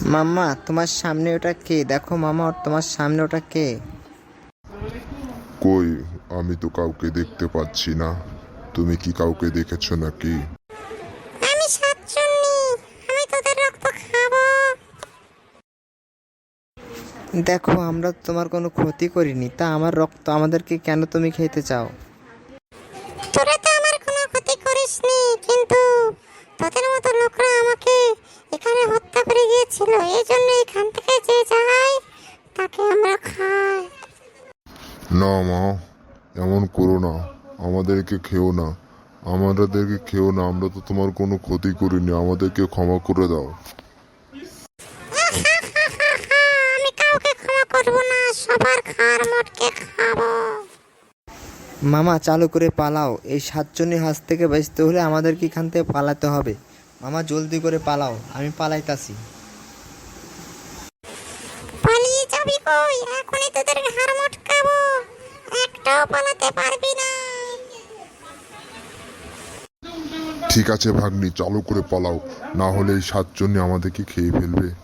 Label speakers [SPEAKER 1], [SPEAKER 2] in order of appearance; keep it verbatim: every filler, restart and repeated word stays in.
[SPEAKER 1] মাম্মা, তোমার সামনে ওটা কে? দেখো মামা, তোমার সামনে ওটা কে?
[SPEAKER 2] কই, আমি তো কাউকে দেখতে পাচ্ছি না। তুমি কি কাউকে দেখেছো নাকি?
[SPEAKER 3] আমি সাতচন্নি, আমি তোদের রক্ত খাবো।
[SPEAKER 1] দেখো, আমরা তো তোমার কোনো ক্ষতি করিনি, তা আমার রক্ত আমাদেরকে কেন তুমি খেতে চাও?
[SPEAKER 3] তোরা তো আমার কোনো ক্ষতি করিসনি, কিন্তু তোদের মতো লোকরা আমাকে এখানে হত্যা করে গিয়েছিল। এই জন্য এখান থেকে যে যায় তাকে আমরা খাই।
[SPEAKER 2] না মা, এমন করো না। আমাদেরকে খেও না, আমাদেরকে খেও না। আমরা তো তোমার কোনো ক্ষতি করিনি, আমাদেরকে ক্ষমা করে দাও।
[SPEAKER 3] আমি কাউকে ক্ষমা করবো না, সবার খার মটকে খাবো।
[SPEAKER 1] মামা, চালু করে পালাও। এই সাতজনের হাত থেকে বাঁচতে হলে আমাদেরকে এখান থেকে পালাতে হবে। মামা, জলদি করে পালাও, আমি পালাইতাছি।
[SPEAKER 3] পালিয়ে যাবি কই? এখনই তোদের ঘাড় মটকাবো, একটাও পালাতে পারবি না।
[SPEAKER 2] ঠিক আছে ভাগ্নি, চালু করে পালাও, না হলে এই সাতজনই আমাদেরকে খেয়ে ফেলবে।